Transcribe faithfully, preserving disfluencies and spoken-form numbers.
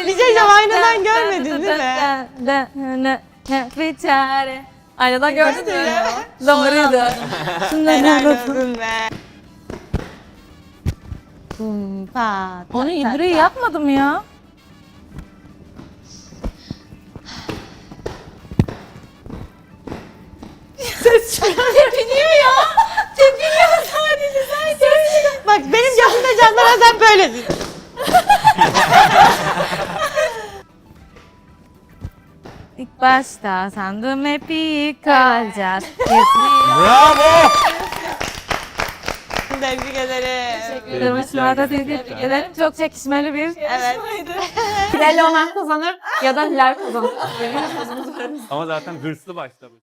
Bir şey diyeceğim, aynadan görmedin değil mi? Bir çare. Aynadan gördün mü? ya. Doğruydu. Helal olsun be. Bum, pat, Onu pat, pat, İdri'yi pat. yapmadım ya. Ses tepiniyor ya. Tepiniyor sadece sadece. Bak benim gözümde canlanan sen böylesin. İlk başta sandım hep iyi kalacağız. Bravo! Tebrik ederim. Teşekkür ederim. Şurada tebrik ederim. Çok çekişmeli bir Evet. Hilal Omen kazanır ya da Hilal kazanır. Ama zaten hırslı başlamış.